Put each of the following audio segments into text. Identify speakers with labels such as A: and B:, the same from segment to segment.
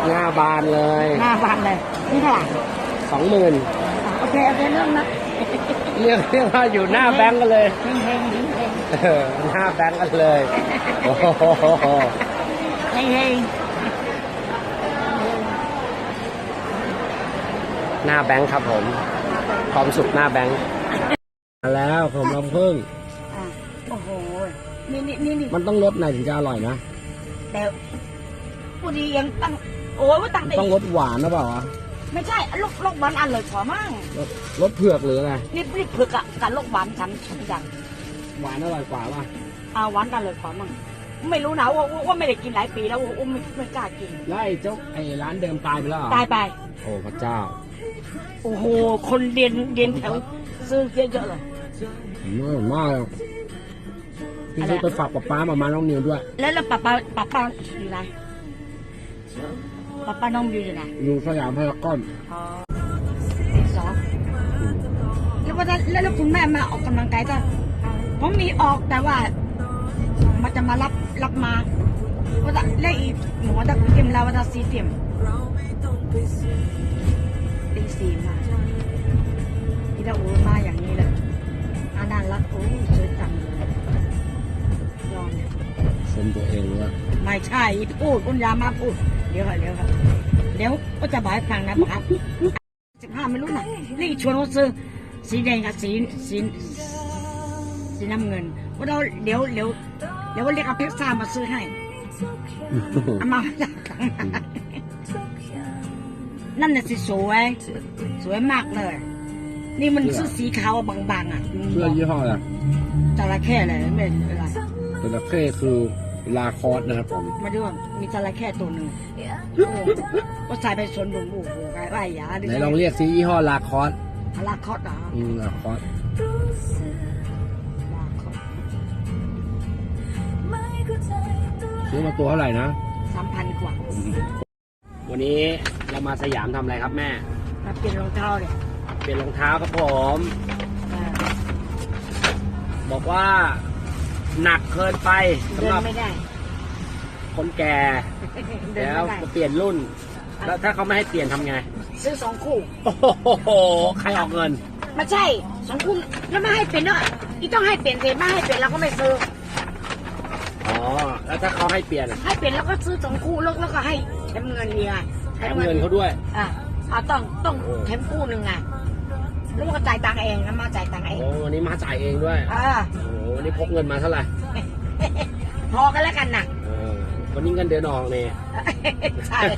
A: หน้าบานเลย
B: หน้าบานเลยนี่เท่าไหร่
A: 20,000
B: โอเคเรื่องนะ
A: เรียกว่าอยู่หน้าแบงก์กันเลย
B: เฮง
A: หน้าแบงก์กันเลยโอ้โห
B: เฮง
A: หน้าแบงก์ครับผมความสุขหน้าแบงก์มาแล้วผมลำพึ่ง
B: โอ้โหนี่
A: มันต้องลดหน่อยถึงจะอร่อยนะ
B: แต่ผู้ดียังตั้งโอ้ยว่าตั้ง
A: ต้องลดหวานหรือเปล่าวะ
B: ไม่ใช่ลูกหวานอร่อยกว่ามั่ง
A: ลดเผือกหรือไง
B: นี่เผือกกับลูกหวานฉันอย่าง
A: หวานอร่อยกว่าป่ะ
B: หวานกันเลยกว่ามั่งไม่รู้นะว่าไม่ได้กินหลายปีแล้วไม่กล้ากิน
A: แล้วไอ้ร้านเดิมตายไปแล้ว
B: ตายไป
A: โอ้พระเจ้า
B: โอ้โหคนเรียนแถวซื้อเยอะเลย
A: มากพี่ซื้อไปฝากป้ามาน้องนิวด้วย
B: แล้วป้าอยู่ไหนป้าน้องอยู่ไหน
A: อยู่สยามพารากอน
B: สองแล้วคุณแม่มาออกกำลังกายจ้ะผมมีออกแต่ว่ามันจะมารับมาว่าจะเล่อีหมอจะเตรียมเราว่าจะซีเตรียมตีสี่มาที่เรามาอย่างนี้เลยน่ารักโอ้สวยจังเลยยอม
A: สมตัวเองว่า
B: ไม่ใช่พูดคุณยามาพูดเดี๋ยวก็จะบอกให้ฟังนะครับ15ไม่รู้นะนี่ชวนเขาซื้อสีแดงกับสีน้ำเงินว่าเดี๋ยวเรียกเอาเพชรซ่ามาซื้อให้เอามานั่นน่ะสิสวยมากเลยนี่มันซื้อสีขาวบางๆอ่ะ
A: เสื้อยี่ห้ออะไร
B: จระเข้เลยไม่เป็นไร
A: จระเข้คือลาคอสนะครับผม
B: มาดูมีจระเข้ตัวหนึ่งก็ใส่ไปสวนบุ๋มบุ๋มไรยา
A: ไหนลองเรียกซิยี่ห้อลาคอส
B: ลาคอสเหรอ
A: ลาคอสซื้อมาตัวเท่าไหร่นะ
B: 3,000 กว่า
A: วันนี้เรามาสยามทำอะไรครับแม่
B: มาเปลี่ยนรองเท้าเลย
A: เปลี่ยนรองเท้าครับผมบอกว่าหนักเกินไป
B: สำหรับไม่ได้
A: คนแก่แล้วจะเปลี่ยนรุ่นแล้วถ้าเขาไม่ให้เปลี่ยนทำไง
B: ซื้อ2 คู่
A: โอ้โหใครออกเงิน
B: ไม่ใช่2 คู่แล้วไม่ให้เปลี่ยนเนาะที่ต้องให้เปลี่ยนเสร็จไม่ให้เปลี่ยนเราก็ไม่ซื้อ
A: อ๋อแล้วถ้าเขาให้เปลี่ยน
B: ให้เปลี่ยนแล้วก็ซื้อ2 คู่แล้วก็ให้แถมเงินเมีย
A: แถมเงินเขาด้วย
B: ต้องแถมคู่หนึ่งไงแล้วก็จ่ายตังค์เองนะมาจ่ายตังค์เอง
A: โอ้วันนี้มาจ่ายเองด้วยโอ้วันนี้พกเงินมาเท่าไหร่
B: พอกันแล้วกันนะ
A: วันนี้เงินเดือนออกเนี่ย
B: ใช่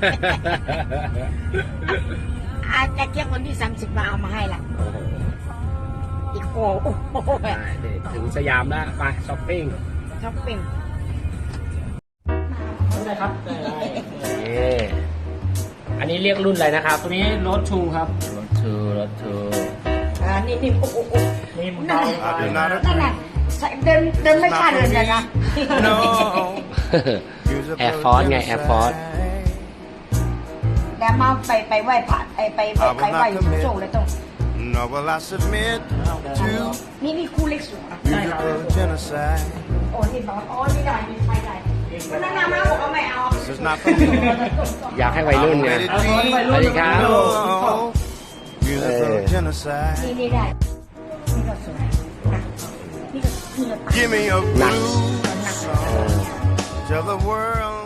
B: อาจจะเก็บวันที่30มาเอามาให้ละอีกโอ้
A: ถึงสยามแล้วไปช้อปปิ้งได้ครับอันนี้เรียกรุ่นอะไรนะครับตัวนี้รถทูครับรถทู
B: นี่โอ้
A: นี่มันเบา
B: นั่นแหละเดินไม่กล้าเดินเลยนะ
A: แอร์ฟอร์สไงแอร์ฟอร์ส
B: แต่มาไปไหว้พระไปไหว้โซ่เลยต้องนี่คู่เล็กสุดโอ้นี่บอกนี่ได้มีไฟได้นั่นน้ำมาบอกว่าไม่เอา
A: อยากให้วัยรุ่นไงสวัสดีครับ
B: นี่ได้นี่ก็สวยนี่ก็หนัก